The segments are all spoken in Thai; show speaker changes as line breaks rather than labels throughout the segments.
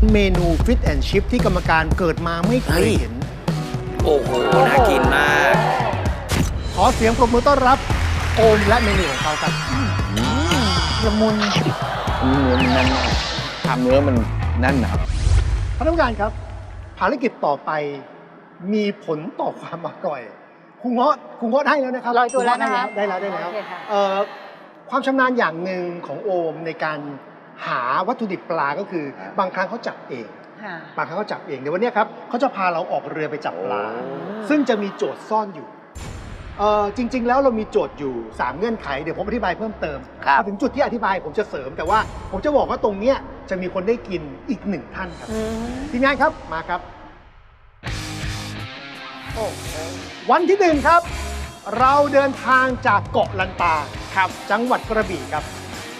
เมนูฟิตแอนด์ชิพที่กรรมการเกิดมาไม่เคยเห็น
โอ้โห น่ากินมาก
ขอเสียงปรบมือต้อนรับโอมและเมนูของเขาครับละมุน
เนื้อมันแน่นมากเนื้อมันแน่นนะครับ
ท่านผู้การครับ ภารกิจต่อไปมีผลต่อความอร่อยครูเงาะได้แล้วนะครับ
ลอยตัวแล้วนะคะ
ได้แล้ว
โอเคค่ะ
ความชำนาญอย่างหนึ่งของโอมในการหาวัตถุดิบปลาก็คือ บางครั้งเขาจับเอง
ค่ะ
บางครั้งเขาจับเองเดี๋ยววันนี้ครับเขาจะพาเราออกเรือไปจับปลา ซึ่งจะมีโจทย์ซ่อนอยู่จริง ๆ แล้วเรามีโจทย์อยู่ 3 เงื่อนไขเดี๋ยวผมอธิบายเพิ่มเติม
ครับ
พอถึงจุดที่อธิบายผมจะเสริม แต่ว่าผมจะบอกว่าตรงเนี้ยจะมีคนได้กินอีกหนึ่งท่านครับทีมงานครับมาครับวันที่หนึ่งครับ เราเดินทางจากเกาะลันตาครับจังหวัดกระบี่ครับ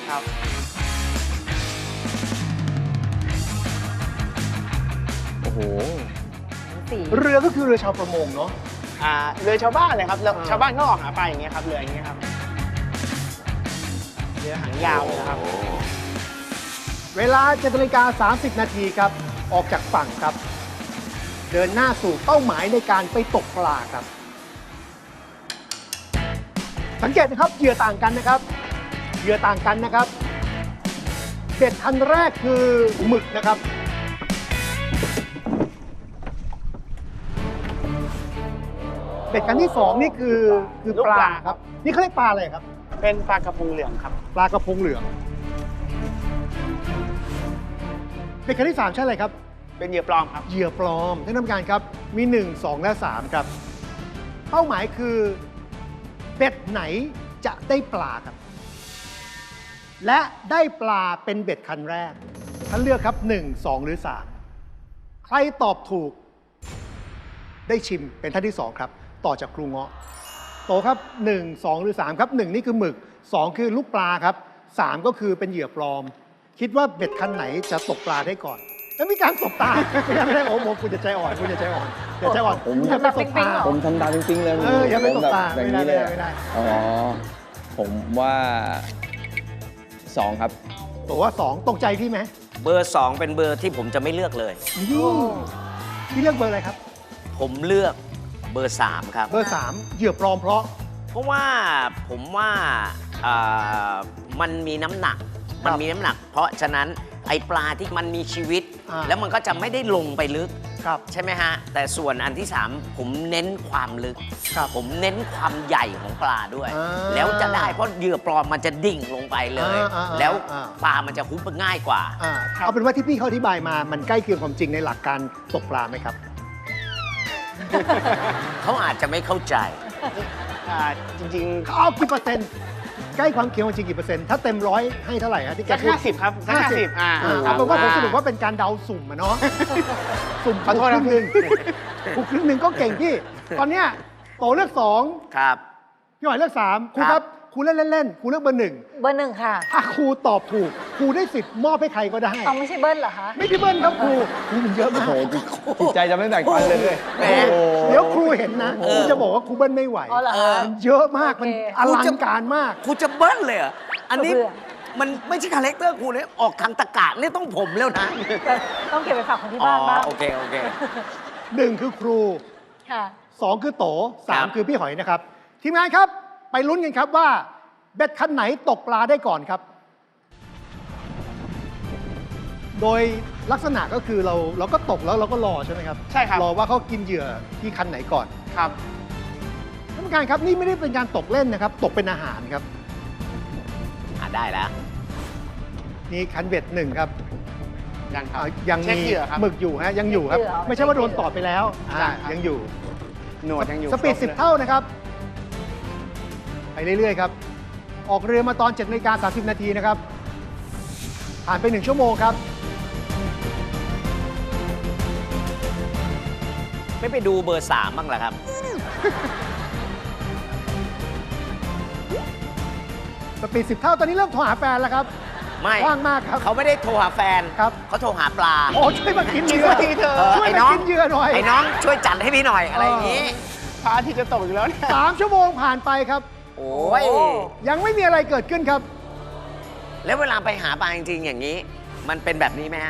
โอ้โห
เรือก็คือเรือชาวประมงเนาะ
เรือชาวบ้านเลยครับชาวบ้านก็ออกหาปลาอย่างเงี้ยครับเรืออย่างเงี้ยครับเรือหางยาวเลยนะครับ
เวลา7:30 นาทีครับออกจากฝั่งครับ เดินหน้าสู่เป้าหมายในการไปตกปลาครับ สังเกตนะครับเหยื่อต่างกันนะครับเหยื่อต่างกันนะครับเบ็ดคันแรกคือหมึกนะครับเบ็ดคันที่สองนี่คือปลาครับนี่เขาเรียกปลาอะไรครับ
เป็นปลากระพงเหลืองครับ
ปลากระพงเหลืองเบ็ดคันที่สามใช่อะไรครับ
เป็นเหยื่อปลอมครับ
เหยื่อปลอมท่านผู้การครับมี 1 2 และ 3 ครับ เป้าหมายคือเบ็ดไหนจะได้ปลาครับ และได้ปลาเป็นเบ็ดคันแรกท่านเลือกครับ 1 2 หรือ 3 ใครตอบถูก ได้ชิมเป็นท่านที่ 2 ครับ ต่อจากครูเงาะโตครับ 1 2 หรือ 3 ครับ 1 นี่คือหมึก 2 คือลูกปลาครับ 3 ก็คือเป็นเหยื่อปลอม คิดว่าเบ็ดคันไหนจะตกปลาได้ก่อน แล้วมีการสบตา ไม่ได้โอ้โหคุณจะใจอ่อนคุณจะใจอ่อนอย่าใจอ่อน
ผม
อย่าไปสบตา
ผมทำตามจริงๆเลย
อย่าไปตบตา
ผมแบบอย่าง
ไม่
นี้
ได้
เลย
ไม่ได้
อ๋อ ผมว่า2ครับ
ตัวว่า 2 ตรงใจพี่ไหม
เบอร์ 2 เป็นเบอร์ที่ผมจะไม่เลือกเลย
นี่พี่เลือกเบอร์อะไรครับ
ผมเลือกเบอร์ 3 ครับ
เบอร์ 3 เหยื่อปลอมเพราะ
เพราะว่าผมว่ามันมีน้ำหนัก มันมีน้ำหนัก เพราะฉะนั้นไอปลาที่มันมีชีวิต แล้วมันก็จะไม่ได้ลงไปลึก
ครับ
ใช่ไหมฮะ แต่ส่วนอันที่ 3 ผมเน้นความลึก
ครับ
ผมเน้นความใหญ่ของปลาด้วย
อ่า
แล้วจะได้เพราะเหยื่อปลอมมันจะดิ่งลงไปเลย แล้ว ปลามันจะฮุบง่ายกว่า
เอาเป็นว่าที่พี่เขาอธิบายมา มันใกล้เคียงความจริงในหลักการตกปลาไหมครับ
เขาอาจจะไม่เข้าใจ
จริง
เขาเอากี่เปอร์เซ็นต์ใกล้ความเคียงความจริงกี่เปอร์เซ็นต์ถ้าเต็มร้อยให้เท่าไหร่ครับที่
ๆ
แก
สัก
พูด
50 ครับสัก50
เอาเป็นว่าผมสรุปว่าเป็นการเดาสุ่มอะเนาะ สุ่ม
ขอโทษ
ค
นะ
รึ่งหนึ่งถูกครึ่งหนึ่งก็เก่งพี่ ตอนเนี้ยโตเลือก2
ครับ
พี่หอยเลือก3ครู
ค
ค
รั
รับ บครูเล่นๆครูเลือกเบอร์ 1
เบอร์ 1 ค่ะ
ถ้าครูตอบถูกครูได้สิทธิ์มอบให้ใครก็ได้
ต้องไม่ใช่เบิ้ลเหรอคะ
ไม่พี่เบิ้ลครับครูมันเยอะ
โอ้
มาก
โหจิตใจจะไม่แบ่งปันเลย
แหม
โอ้โห
เดี๋ยวครูเห็นนะครูจะบอกว่าครูเบิ้ลไม่ไหว
อ๋อเหรอคะ
มันเยอะมากมัน
โอเค
อลังการมาก
ครูจะเบิ้ลเลยเหรออันนี้
เพื่อ
มันไม่ใช่คาแรคเตอร์ครูเนี่ยออกทางตะกะนี่ต้องผมแล้วนะ
แต่ต้องเก็บไปฝากคนที่
อ๋อ
บ้านบ้าง
โอเค โอเค
1 คือครู
ค่ะ
2 คือโต
ครับ
3 คือพี่หอยนะครับ ทีมงานครับ ไปลุ้นกันครับว่าเบ็ดคันไหนตกปลาได้ก่อนครับ โดยลักษณะก็คือเราก็ตกแล้วเราก็รอใช่ไหมครับ
ใช่ครับ
รอว่าเขากินเหยื่อที่คันไหนก่อน
ครับ
ท่านผู้การครับนี่ไม่ได้เป็นการตกเล่นนะครับ ตกเป็นอาหารครับ
ได้แล้ว
นี่คันเบ็ด1ครับ
ยังครับ
ยัง
เช็ค
มี
เหยื่อครับ
หมึกอยู่ฮะยังอยู่ครับ
เช็คเหยื่อ
ไม่ใช่ว่าโดนตอดไปแล้ว
ใช่ครับ
ยังอยู่
หนวดยังอยู่
สปีด
ครบลย
10 เท่านะครับ ไปเรื่อยๆครับ ออกเรือมาตอน7:30 นาทีนะครับ ผ่านไป1 ชั่วโมงครับ
ไม่ไปดูเบอร์ 3 บ้างเหรอครับ
สปีด10 เท่าตอนนี้เริ่มโทรหาแฟนแล้วครับ
ไม่
ว่างมากครับ
เขาไม่ได้โทรหาแฟน
ครับ
เขาโทรหาปลา
โอ้ช่วยมากินเหยื่อ
ทีเธอ
ช่วย
ไอ้
มา
น้อง
กินเหยื่อหน่อย
ไอ้น้องช่วยจัดให้พี่หน่อยอะไรอย่างนี้
พระอาทิตย์จะตกอยู่แล้วเนี่ย
3 ชั่วโมงผ่านไปครับ
โอ้ย
ยังไม่มีอะไรเกิดขึ้นครับ
แล้วเวลาไปหาปลาจริงๆอย่างนี้ มันเป็นแบบนี้ไหมฮะ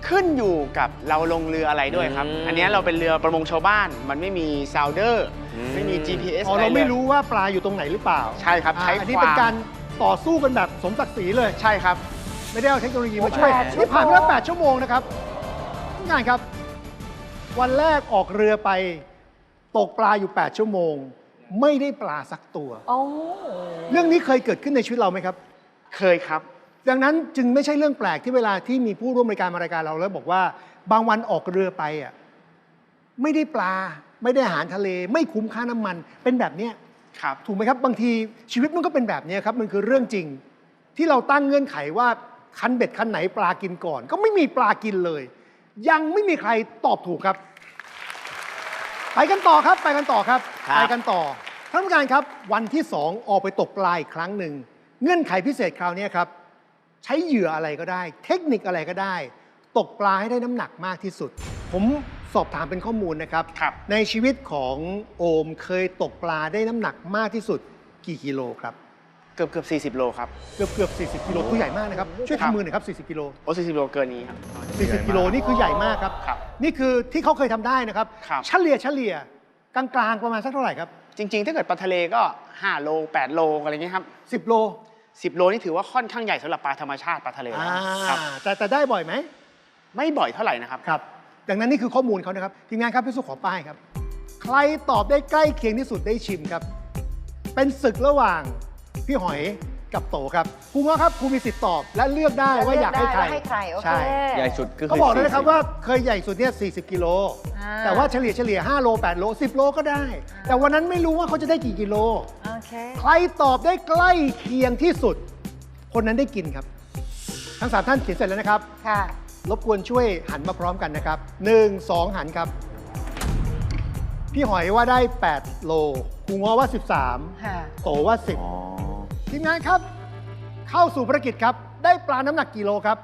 ขึ้นอยู่กับเราลงเรืออะไรด้วยครับ อันเนี้ยเราเป็นเรือประมงชาวบ้าน มันไม่มีซาวเดอร์ไม่มี GPS
อ๋อ
อะไร
เรา
เลย
ไม่รู้ว่าปลาอยู่ตรงไหนหรือเปล่า
ใช่ครับใช้
อันนี้
ความ
เป็นการต่อสู้กันแบบสมศักดิ์ศรีเลย
ใช่ครับ
ไม่ได้เอาเทคโนโลยีมาช่วย
8
นี่ผ่านไปแล้ว8 ชั่วโมงนะครับทุกงานครับ วันแรกออกเรือไปตกปลาอยู่ 8 ชั่วโมง ไม่ได้ปลาสักตัว
โอ้
เรื่องนี้เคยเกิดขึ้นในชีวิตเราไหมครับ
เคยครับ
ดังนั้นจึงไม่ใช่เรื่องแปลกที่เวลาที่มีผู้ร่วมรายการมารายการเราแล้วบอกว่าบางวันออกเรือไปอ่ะไม่ได้ปลาไม่ได้อาหารทะเล ไม่คุ้มค่าน้ำมันเป็นแบบเนี้ย
ครับ
ถูกไหมครับ บางทีชีวิตมันก็เป็นแบบนี้ครับ มันคือเรื่องจริง ที่เราตั้งเงื่อนไขว่าคันเบ็ดคันไหนปลากินก่อน ก็ไม่มีปลากินเลย ยังไม่มีใครตอบถูกครับ ไปกันต่อครับ ไปกันต่อครับ
ครับ
ไปกันต่อท่านผู้การครับวันที่ 2 ออกไปตกปลาอีกครั้งหนึ่งเงื่อนไขพิเศษคราวนี้ครับ ใช้เหยื่ออะไรก็ได้ เทคนิคอะไรก็ได้ ตกปลาให้ได้น้ำหนักมากที่สุด ผมสอบถามเป็นข้อมูลนะครับ
ครับ
ในชีวิตของโอมเคยตกปลาได้น้ำหนักมากที่สุดกี่กิโลครับ
เกือบ40 โลครับ
เกือบ40 กิโลตัวใหญ่มากนะครับ ช่วย
ครับ
ทำมือหน่อยครับ40 กิโล
โอ้40 โลเกินนี้ครับ
40 กิโลนี่คือใหญ่มากครับ
ครับ
นี่คือที่เขาเคยทำได้นะครับ
ครับ
เฉลี่ยกลางๆประมาณสักเท่าไหร่ครับ
จริง ๆ ถ้าเกิดปลาทะเลก็5 โล 8 โลอะไรเงี้ยครับ
10 โล
10 โลนี่ถือว่าค่อนข้างใหญ่สำหรับปลาธรรมชาติปลาทะเล
อ่า
ครับ
แต่ได้บ่อยไหม
ไม่บ่อยเท่าไหร่นะครับ
ครับ ดังนั้นนี่คือข้อมูลเขานะครับ ทีมงานครับพี่สุขอป้ายครับ ใครตอบได้ใกล้เคียงที่สุดได้ชิมครับ เป็นศึกระหว่างพี่หอยกับโตครับครูง้อครับครูมีสิทธิ์ตอบและเลือกได้ว่าอยากให้ใคร
ให้ใคร โอเค
ใช่
ใหญ่สุดก็
เขา
คือ
บอกเลยนะครับ
40
ว่าเคยใหญ่สุดเนี่ย40 กิโล
อ่า
แต่ว่าเฉลี่ย5 โล 8 โล 10 โลก็ได้ แต่วันนั้นไม่รู้ว่าเขาจะได้กี่กิโล
โอเค
ใครตอบได้ใกล้เคียงที่สุด คนนั้นได้กินครับ ทั้ง3ท่านเขียนเสร็จแล้วนะครับ
ค่ะ
รบกวนช่วยหันมาพร้อมกันนะครับ 1 2 หันครับ พี่หอยว่าได้ 8 โลครูง้อว่า 13
ค่ะ
โตว่า
อ๋อ
10 ทีมงานครับ เข้าสู่ภารกิจครับ ได้ปลาน้ำหนักกี่โลครับ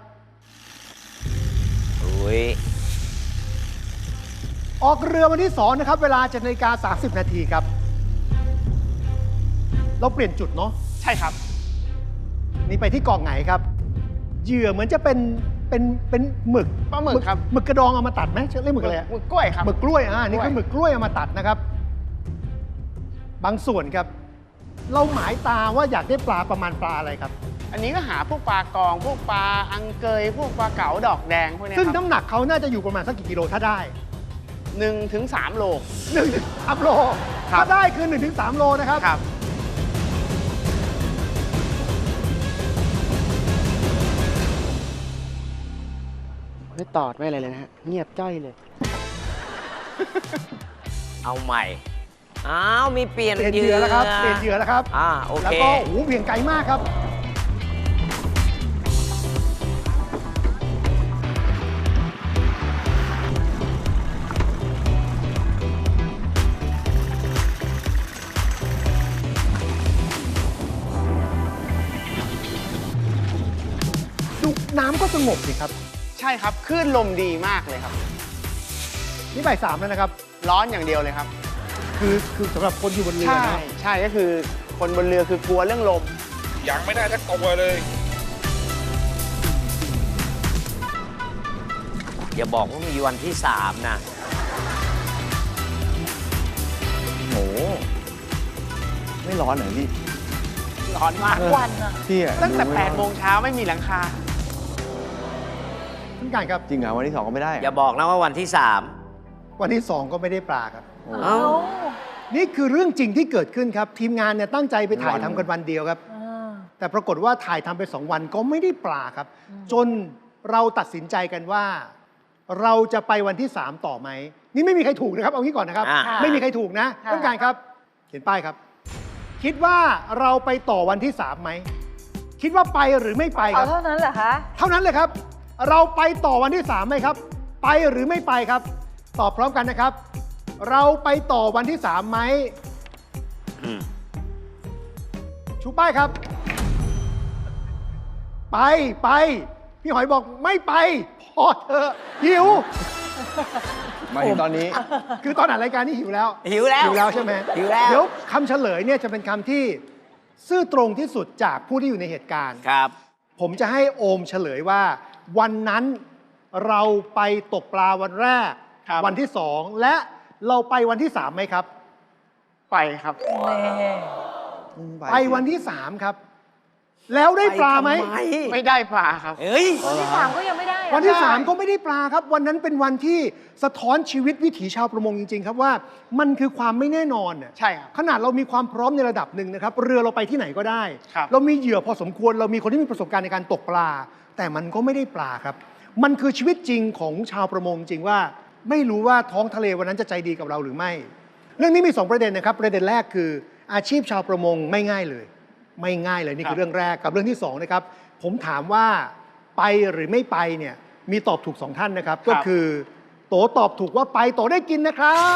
อุ้ย
ออกเรือวันที่ 2 นะครับ เวลา7 นาฬิกา 30 นาทีครับ เราเปลี่ยนจุดเนาะ
ใช่ครับ
นี่ไปที่เกาะไหนครับ เหยื่อเหมือนจะเป็นหมึก
ปลาหมึกครับ
หมึกกระดองเอามาตัดไหมเรียกหมึกอะไรอะ
หมึกกล้วยครับ
หมึกกล้วยนี่
กล้วย
คือหมึกกล้วยเอามาตัดนะครับ บางส่วนครับ เราหมายตาว่าอยากได้ปลาประมาณปลาอะไรครับ
อันนี้ก็หาพวกปลากอง พวกปลาอังเกย พวกปลาเก๋าดอกแดงพวกเนี้ย
ซึ่ง
ครับ
น้ำหนักเขาน่าจะอยู่ประมาณสักกี่กิโลถ้าได้
1 ถึง 3 โล
1-3 โล
ครับ
ถ้าได้คือ 1-3 โลนะครับ
ครับ ไม่ตอดไม่อะไรเลยนะฮะ เงียบจ้อยเลย
เอาใหม่ อ้าว มีเปลี่ยน
เปลี่ยนเหยื่อแล้วครับ เปลี่ยนเหยื่อแล้วครับ
โอ
แล้ว
เค
ก็โอ้โหเบี่ยงไกลมากครับ ดูน้ำก็สงบสิครับ
ใช่ครับ คลื่นลมดีมากเลยครับ
นี่บ่าย 3แล้วนะครับ
ร้อนอย่างเดียวเลยครับ
คือสำหรับคนอยู่บนเรือ
ใช่
นะ
ใช่ก็คือคนบนเรือคือกลัวเรื่องลม
ยังไม่ได้สักตัวเลย
อย่าบอกว่ามีวันที่ 3 นะ
โห ไม่ร้อนเหรอพี่
ร้อนมาก
วันอะ
พี่อะ
ตั้งแต่
ดูไม่ร้อน
8 โมงเช้าไม่มีหลังคา
ท่านการครับ
จริงเหรอวันที่ 2 ก็ไม่ได้
อย่าบอกนะว่าวันที่
วันที่ 2 ก็ไม่ได้ปลาครับ
โอ้
เอ้า
นี่คือเรื่องจริงที่เกิดขึ้นครับ ทีมงานเนี่ยตั้งใจไปถ่ายทำกันวันเดียวครับ
อ่า
แต่ปรากฏว่าถ่ายทำไป 2 วันก็ไม่ได้ปลาครับ จนเราตัดสินใจกันว่า เราจะไปวันที่ 3 ต่อไหม นี่ไม่มีใครถูกนะครับ เอางี้ก่อนนะครับ
อ่า
ไม่มีใครถูกนะ
ค่ะ
ต้องการครับ เขียนป้ายครับ คิดว่าเราไปต่อวันที่ 3 ไหม คิดว่าไปหรือไม่ไปค
เอา
รับ
เท่านั้นเหรอคะ
เท่านั้นเลยครับ เราไปต่อวันที่ 3ไหมครับ ไปหรือไม่ไปครับ ตอบพร้อมกันนะครับ เราไปต่อวันที่ 3ไหม
อืม
ชูป้ายครับ ไปพี่หอยบอกไม่ไป พอเถอะหิว
มาถึงตอนนี้
คือตอนอ่านรายการนี่หิวแล้ว
หิวแล้ว
หิวแล้วใช่ไหม
หิวแล้ว
เดี๋ยวคำเฉลยเนี่ยจะเป็นคำที่ซื่อตรงที่สุดจากผู้ที่อยู่ในเหตุการณ์
ครับ
ผมจะให้โอมเฉลยว่า วันนั้นเราไปตกปลาวันแรก
ครับ
วันที่ 2 และเราไปวันที่ 3ไหมครับ
ไปครับ
ไปวันที่ 3 ครับ แล้วได้ปลาไหม
ปทำ
ไม่ได้ปลาครับ
เฮ้ย
วันที่ 3 ก็ยังไม่ได้อะ
วันที่ 3 ก็ไม่ได้ปลาครับ วันนั้นเป็นวันที่สะท้อนชีวิตวิถีชาวประมงจริง ๆ ครับว่ามันคือความไม่แน่นอนน่ะ
ใช่ครับ
ขนาดเรามีความพร้อมในระดับหนึ่งนะครับ เรือเราไปที่ไหนก็ได้
ครับ
เรามีเหยื่อพอสมควร เรามีคนที่มีประสบการณ์ในการตกปลา แต่มันก็ไม่ได้ปลาครับ มันคือชีวิตจริงของชาวประมงจริงว่า ไม่รู้ว่าท้องทะเลวันนั้นจะใจดีกับเราหรือไม่ เรื่องนี้มี 2 ประเด็นนะครับ ประเด็นแรกคืออาชีพชาวประมงไม่ง่ายเลย ไม่ง่ายเลยนี่คือเรื่องแรกกับเรื่องที่2นะครับผมถามว่าไปหรือไม่ไปเนี่ยมีตอบถูก 2 ท่านนะครับ ก็คือโตตอบถูกว่าไปโตได้กินนะครับ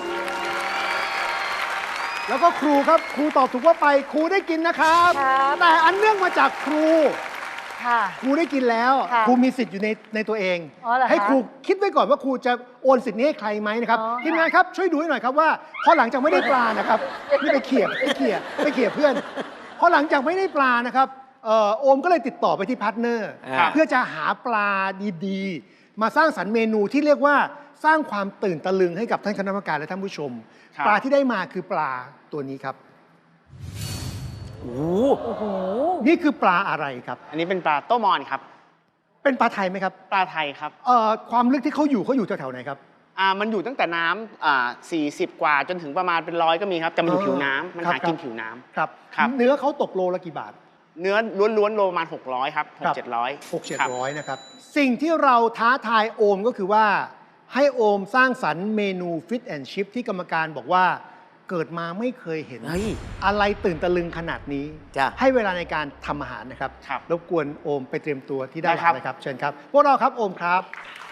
แล้วก็ครูครับครูตอบถูกว่าไปครูได้กินนะครับ
ครับ
แต่อันเนื่องมาจากครู
ค่ะ
ครูได้กินแล้ว
ค่ะ
ครูมีสิทธิ์อยู่ในตัวเอง
อ๋อเหรอคะ
ให้ครูคิดไว้ก่อนว่าครูจะโอนสิทธิ์นี้ให้ใครไหมนะครับ
อ๋อค่ะ
ทีมงานครับช่วยดูให้หน่อยครับว่าพอหลังจากไม่ได้ปลานะครับนี่ไปเขี่ยเพื่อนพอหลังจากไม่ได้ปลานะครับโอมก็เลยติดต่อไปที่พาร์ทเนอร์
ครับ
เพื่อจะหาปลาดีๆ มาสร้างสรรค์เมนูที่เรียกว่าสร้างความตื่นตะลึงให้กับท่านคณะกรรมการและท่านผู้ชม
ครับ
ปลาที่ได้มาคือปลาตัวนี้ครับ
โอ้โห
โอ้โห
นี่คือปลาอะไรครับ
อันนี้เป็นปลาโต้มอนครับ
เป็นปลาไทยไหมครับ
ปลาไทยครับ
ความลึกที่เขาอยู่แถวๆไหนครับ
มันอยู่ตั้งแต่น้ำ40 กว่าจนถึงประมาณเป็น100ก็มีครับ แต่มันอยู่ผิวน้ำมัน
ครับ
หากินผิวน้ำ
ครับ
ครับ
เนื้อเขาตกโลละกี่บาท
เนื้อล้วนๆโลประมาณ600ครับ
ครับ
6-700
6-700 นะครับ สิ่งที่เราท้าทายโอมก็คือว่า ให้โอมสร้างสรรค์เมนูฟิตแอนด์ชิพที่กรรมการบอกว่าเกิดมาไม่เคยเห็น
เฮ้ย
อะไรตื่นตะลึงขนาดนี้
จ้ะ
ให้เวลาในการทำอาหารนะครับ
ครับ
รบกวนโอมไปเตรียมตัวที่ด้านห
ได้ครั
ลั
บ
งนะครับ เชิญครับ พวกเราครับโอมครับ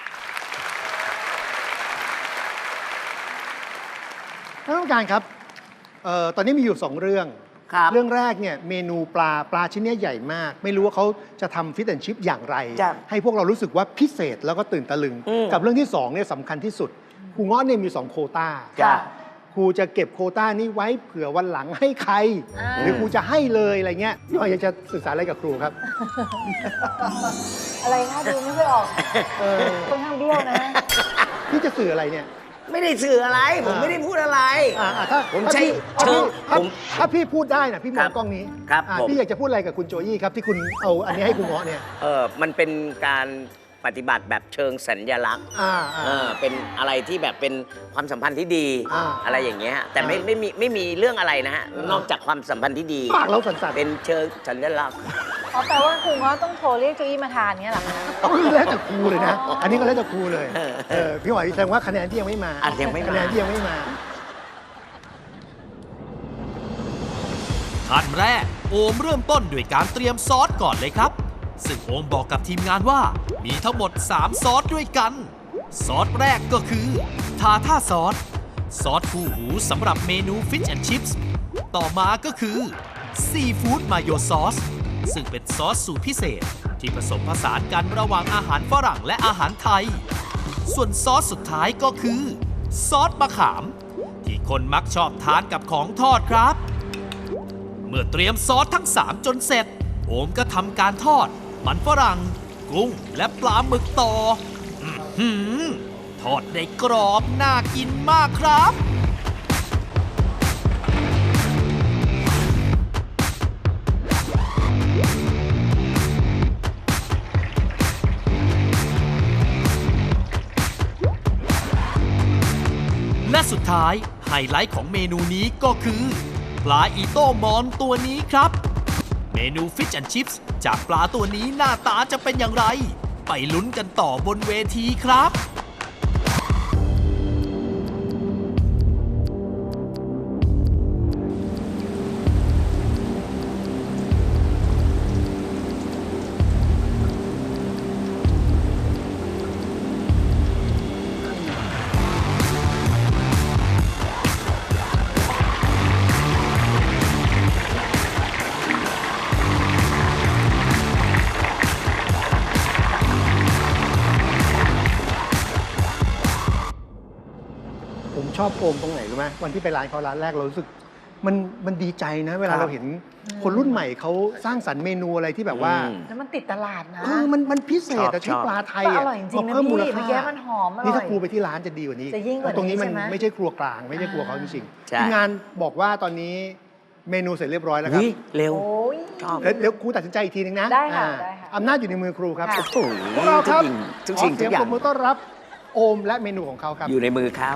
ท่านผู้การครับตอนนี้มีอยู่ 2 เรื่อง
ครับ
เรื่องแรกเนี่ยเมนูปลาชิ้นเนี้ยใหญ่มาก ไม่รู้ว่าเขาจะทำฟิตแอนด์ชิพอย่างไร
จ้ะ
ให้พวกเรารู้สึกว่าพิเศษแล้วก็ตื่นตะลึง
อืม
กับเรื่องที่2เนี่ยสำคัญที่สุดครูเงาะเนี่ยมี 2 โควต้า
จ้ะ
ครูจะเก็บโควต้านี้ไว้เผื่อวันหลังให้ใคร
อ่า
หรือครูจะให้เลยอะไรเงี้ยพี่หอยอยากจะสื่อสารอะไรกับครูครับ
อะไรคะดูไม่ค่อยออก
เออ
ค่อนข้างเบี้ยวนะ
พี่จะสื่ออะไรเนี่ย
ไม่ได้สื่ออะไร ผมไม่ได้พูดอะไร
ถ้า
ผม
ถ้า
ใช้
พี่
ชื่อ
ถ้า
ผม
ถ้าพี่พูดได้นะพี่ม
ครั
อง
บ
กล้องนี้
ครับผม
พี่อยากจะพูดอะไรกับคุณโจยี่ครับที่คุณเอาอันนี้ให้ครูเงาะเนี่ย
มันเป็นการปฏิบัติแบบเชิงสัญลักษณ์ เป็นอะไรที่แบบเป็นความสัมพันธ์ที่ดี อะไรอย่างเงี้ยแต่ไม่มีเรื่องอะไรนะฮะ นอกจากความสัมพันธ์ที่ดี
ปากเราสั่นๆ
เป็นเชิงสัญลักษณ์
อ๋อแปลว่าครูก็ต้องโทรเรียกโจอี้มาทานเนี้ยเหรอคะ
แล้วแต่ครูเลยนะ
อ๋ออั
อันนี้ก็แล้วแต่ครูเลย
เออ
พี่หอยแสดงว่าคะแนนที่ยังไม่มา
ยังไม่มา
คะแนนที่ยังไม่มา
ขั้นแรกโอมเริ่มต้นด้วยการเตรียมซอสก่อนเลยครับ ซึ่งโอมบอกกับทีมงานว่ามีทั้งหมด 3 ซอสด้วยกัน ซอสแรกก็คือทาท่าซอส ซอสคู่หูสำหรับเมนู Fish and Chips ต่อมาก็คือซีฟู้ดมายโยซอสซึ่งเป็นซอสสูตรพิเศษที่ผสมผสานกันระหว่างอาหารฝรั่งและอาหารไทย ส่วนซอสสุดท้ายก็คือซอสมะขาม ที่คนมักชอบทานกับของทอดครับ เมื่อเตรียมซอสทั้ง 3 จนเสร็จ โอมก็ทำการทอด มันฝรั่ง กุ้งและปลาหมึกต่ออื้อหือทอดได้กรอบน่ากินมากครับ และสุดท้ายไฮไลท์ของเมนูนี้ก็คือปลาอีโต้มอนตัวนี้ครับ เมนู Fish and Chips จากปลาตัวนี้หน้าตาจะเป็นอย่างไร ไปลุ้นกันต่อบนเวทีครับ
ผมชอบโอมตรงไหนรู้ไหมวันที่ไปร้านเขาร้านแรกเรารู้สึกมันดีใจนะ เวลา
ครับ
เราเห็นคนรุ่นใหม่เขาสร้างสรรค์เมนูอะไรที่แบบว่า
แล้วมันติดตลาดนะ
มันพิเศษอะ
ช
ใช้
อบ
ปลาไทย
แต่อ
อะ
ร่อยจริงๆนะ
เพิ่มมูล
พี่
ค่า
เมื่อกี้มันหอมอร่อย
นี่ถ้าครูไปที่ร้านจะดีกว่านี้
จะยิ่งกว่านี้
ตรงนี้มัน
ใช่ไหม
ไม่ใช่ครัวกลางไม่ใช่ครัวเขาจริง
ใช่
ๆทีมงานบอกว่าตอนนี้เมนูเสร็จเรียบร้อยแล้วครับ
อุ๊ยเร็ว
โอ้ย
ชอบ
เดี๋ยวครูตัดสินใจอีกทีนึงนะ
ได้ค่ะ
อ่า
ได้ค่ะ
อำนาจอยู่ในมือครูครับ
ค่ะ
โอ้โห
พวกเราครับ
ทุกสิ่ง
ขอ
ทุ
เสี
ก
ยง
อย่า
ป
ง
รบมือต้อนรับโอมและเมนูของเขาครับ
อยู่ในมือเขา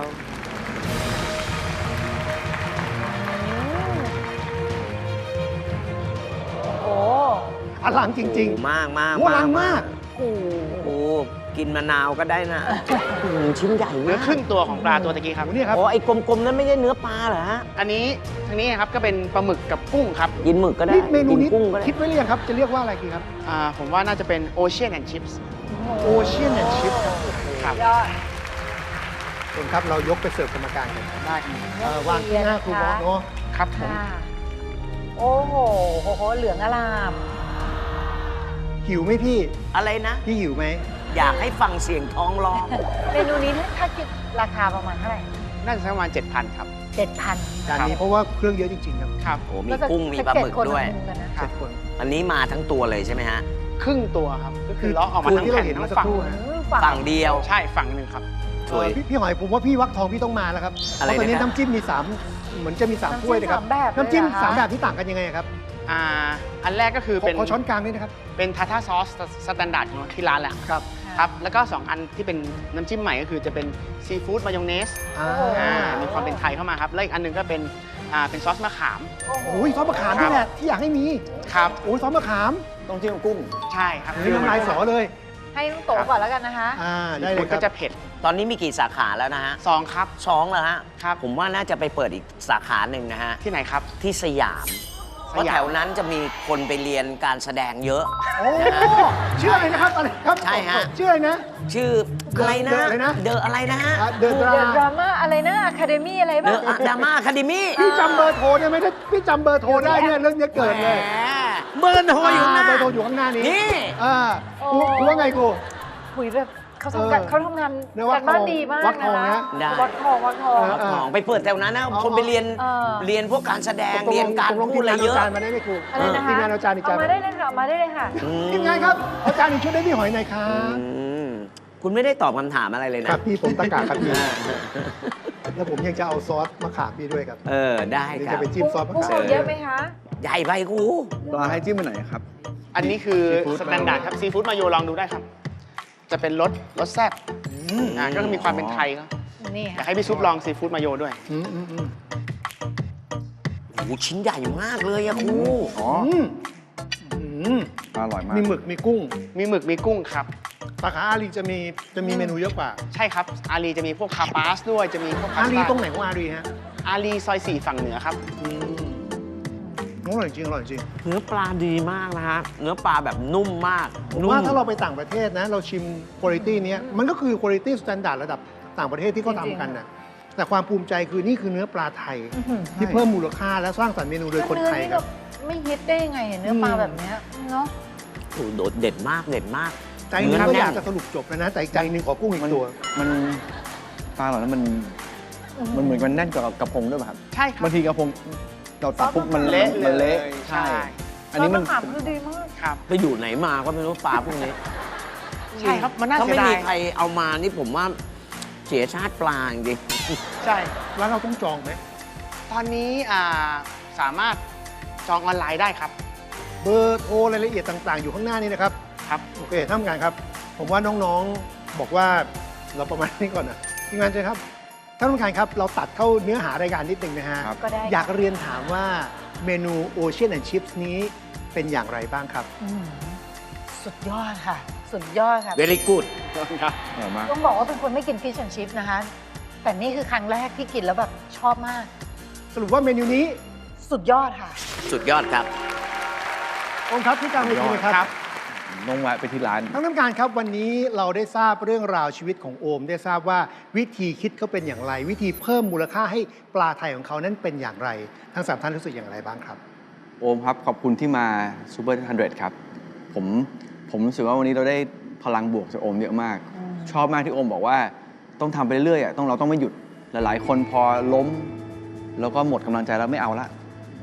โอ้
อลังจริง
โอ้มากมาก
โอ้อลังมาก
โอ้
โอ้กินมะนาวก็ได้นะชิ้นใหญ่
เนื้อ
มาก
ครึ่งตัวของปลาตัวตะกี้ครับ
โอ้เนี่ยครับ
โอ้ไอ้กลมๆนั้นไม่ใช่เนื้อปลาเหรอฮะ
อันนี้ทางนี้ครับก็เป็นปลาหมึกกับกุ้งครับ
กินหมึกก็ได้
นี่เมนู
กิน
นี้
กุ้งก็ได้
คิดไว้หรือยังครับ จะเรียกว่าอะไรดีครับ
ผมว่าน่าจะเป็น Ocean and Chips
โอเชียนแอนด์ชิพครับ
ครับ
ยอด
เชิญครับเรายกไปเสิร์ฟกรรมการกัน
ได้
วางที่หน้าครูบอสเนาะ
ครับผม
ค่ะ โอ้โหเหลืองอลาม
หิวไหมพี่
อะไรนะ
พี่หิวไหม
อยากให้ฟังเสียงท้องร้อง
เมนูนี้ถ้าคิดราคาประมาณเท่าไหร่
น่าจะสักประมาณ 7,000 ครับ
7,000
จานนี้เพราะว่าเครื่องเยอะจริงๆครับ
ครับ
โอ้มีกุ้งมีปลาหมึกด้วย
กันนะ
เจ็ดคน
อันนี้มาทั้งตัวเลยใช่ไหมฮะ
ครึ่งตัวครับ ก็คือเลาะออกมา
คือ
ทั้ง
ที่เรา
แผ่น
เห็น
ทั้
เมื่
ง
อสัก
ฝั่ง
ครู่นะ
ฝั่งเดียว
ใช่ฝั่งหนึ่งครับ
สวย
พี่หอยผมว่าพี่วักทองพี่ต้องมาแล้วครับ
อะไร
เพราะตอนนี้
นะครับ
น้ำจิ้มมี3เหมือนจะมี3ถ้วยนะครับ
น้ำจิ้มสามแบบเลยเหรอคะ
น้ำจิ้ม3แบบที่ต่างกันยังไงครับ
อันแรกก็คือเป็น
ขอช้อนกลางด้วยนะครับ
เป็นทาท่าซอสสแตนดาร์ดของที่ร้านแหละ
ครับ
ครับ แล้วก็ 2 อันที่เป็นน้ำจิ้มใหม่ก็คือจะเป็นซีฟู้ดมายองเนส มีความเป็นไทยเข้ามาครับ แล้วอีกอันหนึงก็เป็นซอสมะขาม
โอ้ยซอสมะขามนี่แหละที่อยากให้มี
ครับ
โอ้ยซอสมะขาม
ต้องจิ้มกุ้ง
ใช่ครับ
นี่น้ำลายสอเลย
ให้น้องโตก่อนแล้วกันนะคะ
ได้เล
มั
ย
น
ค
ก็
รับ
จะเผ็ด
ตอนนี้มีกี่สาขาแล้วนะฮะ
2 ครับ
2แล้วฮะ
ครับ
ผมว่าน่าจะไปเปิดอีกสาขาหนึ่งนะฮะ
ที่ไหนครับ
ที่สยาม เพราะแถวนั้นจะมีคนไปเรียนการแสดงเยอะ
โอ้ชื่ออะไรนะครับอะไรครับ
ใช่ฮะ
ชื่ออะไรนะ
ชื่ออะไรนะ
เดอะอะไรนะ
เดอะอะไรนะฮะ
เดอะดรา
เดอะดราม่าอะไรนะอะคาเดมี่อะไร
เด
บ้าง
อะดราม่าคาเดมี่
พี่จำเบอร์โทรได้ไหมถ้าพี่จำเบอร์โทรได้เนี่ยเรื่องนี้เกิดเลย
เบอร์โทรอยู่หน้า
เบอร์โทรอยู่ข้างหน้านี้
นี่
ครูว่าไงครู
หุยแบบเขาทำงานเขาทำงาน
เรียกว่า
การบ้านดีมาก
วัดทอง
นะ
นะ
ได้
วัดทองวัดทอง
รับของไปเปิดแถวนั้นนะ คนไปเรียน
เออ
เรียนพวกการแสดง เรียนการ
ตกลง
พูดอะไรเยอะ
ทีมงานเอาจานมาได้ไหมครู
อะไรนะคะ
ทีมงานเอาจานอีกจาน
เอามาได้เลยค่ะเอามาได้เลยค่ะ
ทีมงานครับเอาจานอีกชุดได้พี่หอยหน่อยครั
อื
บ
มคุณไม่ได้ตอบคำถามอะไรเลย
ค
นะ
รับพี่ผมตะกาครับพี่แล้วผมยังจะเอาซอสมะขามพี่ด้วยครับ
เออ ได้
เดี๋ยว
ครั
จะ
บ
ไปจิ้มซอสมะ
กุ้ง
ขาม
เอาเยอะไหมคะ
ใหญ่ไปครู
ปลาให้จิ้มไปไหนครับ
อันนี้คือ
Seafood
สแตนดาร์ดครับซีฟู้ดมาโยลองดูได้ครับ จะเป็นรสแซ่บก็มีความเป็นไทยครับ
นี่
อยา
ค่ะ
กให้พี่ซุปลองซีฟู้ดมาโยด้วย
อืมอืมอืม
โอ้โหชิ้นใหญ่มากเลยอะครู
อ๋อ
อืมอืม
อร่อยมาก
มีหมึกมีกุ้ง
มีหมึกมีกุ้งครับ
สาขาอารีจะมีเมนูเยอะกว่า
ใช่ครับ อารีจะมีพวกคาปาสด้วย จะมีพวกพา
อา
ส
รี
ต้า
ตรงไหนของอารีฮะ
อารีซอย 4 ฝั่งเหนือครับ
อร่อยจริงอร่อยจริง
เนื้อปลาดีมากนะฮะ เนื้อปลาแบบนุ่มมาก
ผม
นุ่ม
ว่าถ้าเราไปต่างประเทศนะ เราชิมคุณภาพเนี้ยมันก็คือคุณภาพสแตนดาร์ดระดับต่างประเทศที่เขาทำกันนะแต่ความภูมิใจคือนี่คือเนื้อปลาไทย ที่เพิ่มมูลค่าและสร้างสรรค์เมนูโดยคนไทย
เนื้อนี่
ค
ก็
รับ
ไม่ฮิตได้ยังไงเห็นเนื้อปลาแบบเนี้ยเนาะ
โอ้โหโดดเด็ดมากเด็ดมาก
ใจหนึงก็อยากจะสรุปจบแล้วนะแต่อีกใจหนึงขอกุ้งอีกตัว
มันปลาเหล่านั้นมันเหมือนมันแน่นกว่ากระพงด้วยป่ะครับ
ใช่ครับ
บางทีกระพงเราตัดปุ๊บมัน
เละ
มัน
เลย
เละ
ใช่
อันนี้มัน
ซสมะขามคือดีมาก
ครับ
ไปอยู่ไหนมาก็ไม่รู้ปลาพวกนี้
ใช่ครับ มันน่า
ถ้า
เสีย
ไม่
ดา
มี
ย
ใครเอามานี่ผมว่าเสียชาติปลาจริง
ใช่
แล้วเราต้องจองไหม
ตอนนี้สามารถจองออนไลน์ได้ครับ
เบอร์โทรรายละเอียดต่างๆ อยู่ข้างหน้านี้นะครับ
ครับ
โอเคท่านผู้การครับ ผมว่าน้องๆบอกว่าเราประมาณนี้ก่อนนะทีมงานเชิญครับท่านผู้การครับ เราตัดเข้าเนื้อหารายการนิดนึงนะฮะ
ครับ
ก็ได้
อยากเรียนถามว่าเมนู Ocean and Chips นี้เป็นอย่างไรบ้างครับ
สุดยอดค่ะ สุดยอดค่ะ
ๆ very good
ครับ
อร่อยมาก
ต้องบอกว่าเป็นคนไม่กินฟิชแอนชิพนะคะ แต่นี่คือครั้งแรกที่กินแล้วแบบชอบมาก
สรุปว่าเมนูนี้
สุดยอดค่ะ
สุดยอดครับ
องค์ครับที่กลางเวทีเลยครับ
ต้องแวะไปที่ร้าน
ท่านผู้การครับวันนี้เราได้ทราบเรื่องราวชีวิตของโอม ได้ทราบว่าวิธีคิดเขาเป็นอย่างไร วิธีเพิ่มมูลค่าให้ปลาไทยของเขานั้นเป็นอย่างไร ทั้งสามท่านรู้สึกอย่างไรบ้างครับ
โอมครับ ขอบคุณที่มาซูเปอร์100ครับ ผมรู้สึกว่าวันนี้เราได้พลังบวกจากโอมเยอะมาก ชอบมากที่โอมบอกว่าต้องทำไปเรื่อยๆเราต้องไม่หยุดหลายๆ คนพอล้ม แล้วก็หมดกำลังใจแล้วไม่เอาละ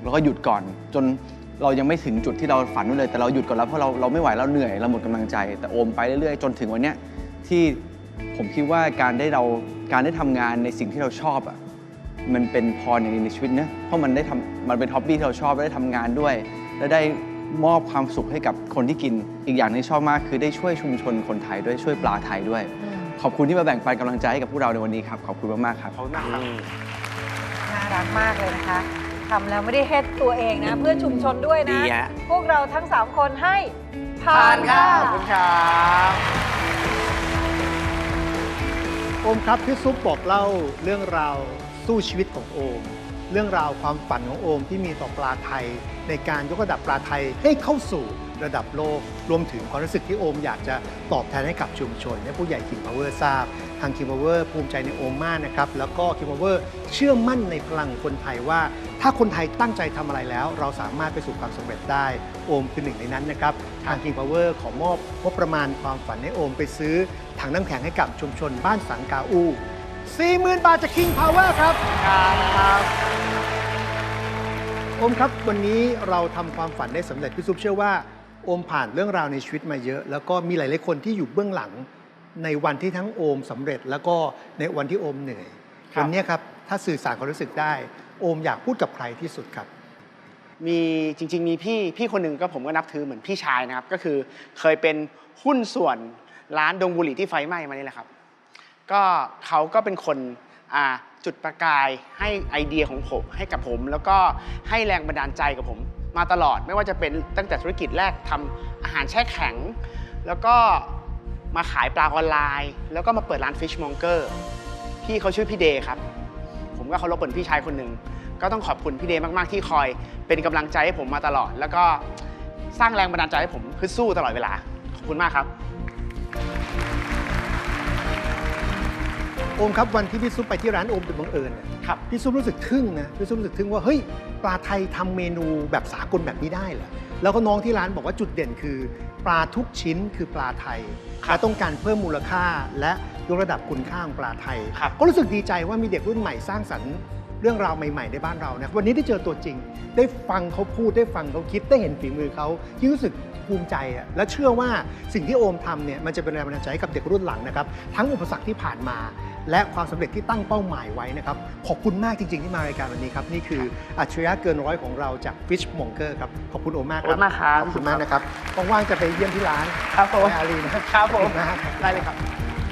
แล้วก็หยุดก่อนจนเรายังไม่ถึงจุดที่เราฝันไว้เลยแต่เราหยุดก่อนแล้วเพราะเราไม่ไหวเราเหนื่อยเราหมดกำลังใจแต่โอมไปเรื่อยๆจนถึงวันเนี้ยที่ผมคิดว่าการได้ทำงานในสิ่งที่เราชอบอ่ะมันเป็นพรอย่างนึงในชีวิตนะเพราะมันเป็นฮ็อบบี้ที่เราชอบได้ทำงานด้วยและได้มอบความสุขให้กับคนที่กินอีกอย่างที่ชอบมากคือได้ช่วยชุมชนคนไทยด้วยช่วยปลาไทยด้วยขอบคุณที่มาแบ่งปันกำลังใจให้กับพวกเราในวันนี้ครับขอบคุณมากๆครับ
ขอบคุณมากครับ
น่ารักมากเลยนะคะทำแล้วไม่ได้เฮ็ดตัวเองนะ เพื่อชุมชนด้วย
ดี
นะ
ฮะ
พวกเราทั้ง 3 คนให้ผ่า
ผ่าน
น
ครั
ค่ะ
บขอบคุณครับ
โอมครับพี่ซุปบอกเล่าเรื่องราวสู้ชีวิตของโอม เรื่องราวความฝันของโอมที่มีต่อปลาไทย ในการยกระดับปลาไทยให้เข้าสู่ระดับโลกรวมถึงความรู้สึกที่โอมอยากจะตอบแทนให้กับชุมชนให้ผู้ใหญ่ King Power ทราบทาง King Power ภูมิใจในโอมมากนะครับแล้วก็ King Power เชื่อมั่นในพลังคนไทยว่า ถ้าคนไทยตั้งใจทำอะไรแล้ว เราสามารถไปสู่ความสำเร็จได้โอมคือหนึ่งในนั้นนะครับทาง King Power ขอมอบงบประมาณความฝันให้โอมไปซื้อถังน้ำแข็งให้กับชุมชนบ้านสังกาอู 40,000 บาทจาก King Power ครับโอมครับวันนี้เราทำความฝันได้สำเร็จพี่ซุปเชื่อว่าโอมผ่านเรื่องราวในชีวิตมาเยอะ แล้วก็มีหลายๆคนที่อยู่เบื้องหลังในวันที่ทั้งโอมสำเร็จ แล้วก็ในวันที่โอมเหนื่อยวันนี้ครับถ้าสื่อสารความรู้สึกได้โอมอยากพูดกับใครที่สุดครับ
มีจริงๆมีพี่คนหนึ่งก็ผมก็นับถือเหมือนพี่ชายนะครับก็คือเคยเป็นหุ้นส่วนร้านดงบุหรี่ที่ไฟไหม้มานี่แหละครับก็เขาก็เป็นคนจุดประกายให้ไอเดียของผมให้กับผมแล้วก็ให้แรงบันดาลใจกับผมมาตลอดไม่ว่าจะเป็นตั้งแต่ธุรกิจแรกทำอาหารแช่แข็งแล้วก็มาขายปลาออนไลน์แล้วก็มาเปิดร้าน Fish Monger พี่เขาชื่อพี่เดย์ครับผมก็เคารพเป็นพี่ชายคนหนึ่งก็ต้องขอบคุณพี่เดย์มากๆที่คอยเป็นกำลังใจให้ผมมาตลอดแล้วก็สร้างแรงบันดาลใจให้ผมคือสู้ตลอดเวลาขอบคุณมากครับ
โอมครับวันที่พี่ซุปไปที่ร้านโอมโดยบังเอิญครับพี่ซุปรู้สึกทึ่งนะพี่ซุปรู้สึกทึ่งว่าเฮ้ยปลาไทยทำเมนูแบบสากลแบบนี้ได้เหรอแล้วก็น้องที่ร้านบอกว่าจุดเด่นคือปลาทุกชิ้นคือปลาไทยและต้องการเพิ่มมูลค่าและยกระดับคุณค่าของปลาไทยก็รู้สึกดีใจว่ามีเด็กรุ่นใหม่สร้างสรรค์เรื่องราวใหม่ๆในบ้านเรานะวันนี้ได้เจอตัวจริงได้ฟังเขาพูดได้ฟังเขาคิดได้เห็นฝีมือเขาที่รู้สึกภูมิใจและเชื่อว่าสิ่งที่โอมทำเนี่ยมันจะเป็นแรงบันดาลใจให้กับเด็กรุ่นหลังนะครับทั้งอุปสรรคที่ผ่านมาและความสำเร็จที่ตั้งเป้าหมายไว้นะครับขอบคุณมากจริงๆที่มารายการวันนี้ครับนี่คืออัจฉริยะเกินร้อยของเราจาก Fish Monger ครับขอบคุณโอมมากครับขอบคุณมากนะครับว่างๆจะไปเยี่ยมที่ร้าน
ครับผม
อารีนะครับ
ผม
นะ
ได้เลยครับ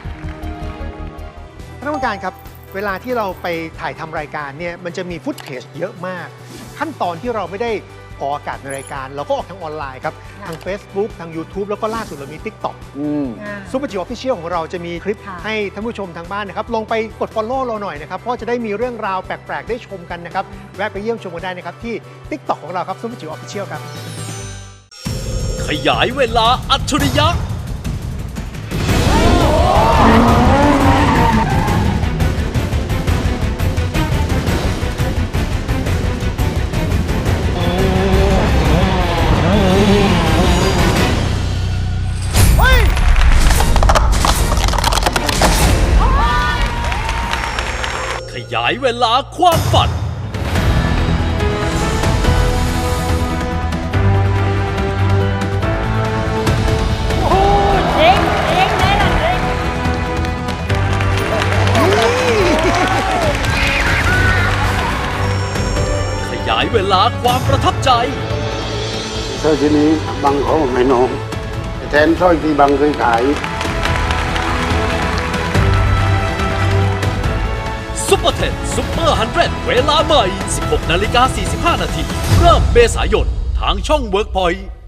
ท่านผู้การครับเวลาที่เราไปถ่ายทำรายการเนี่ยมันจะมีฟุตเทจเยอะมากขั้นตอนที่เราไม่ได้ออกอากาศในรายการเราก็ออกทางออนไลน์ครับทาง Facebook ทาง YouTube แล้วก็ล่าสุดเรามี TikTok ซุปเปอร์จิ๋วออฟฟิเชียลของเราจะมีคลิปให้ท่านผู้ชมทางบ้านนะครับลงไปกด Follow เราหน่อยนะครับเพราะจะได้มีเรื่องราวแปลกๆได้ชมกันนะครับแวะไปเยี่ยมชมกันได้นะครับที่ TikTok ของเราครับซุปเปอร์จิ๋วออฟฟิเชียลครับ
ขยายเวลาอัจฉริยะขยายเวลาความฝันขยายเวลาความประทับใจ
สร้อยชิ้นนี้บังเขาให้น้องแทนสร้อยที่บังเคยขาย
ซุปเปอร์เทนซุปเปอร์100เวลาใหม่ 16:45 น.เริ่มเมษายนทางช่อง WorkPoint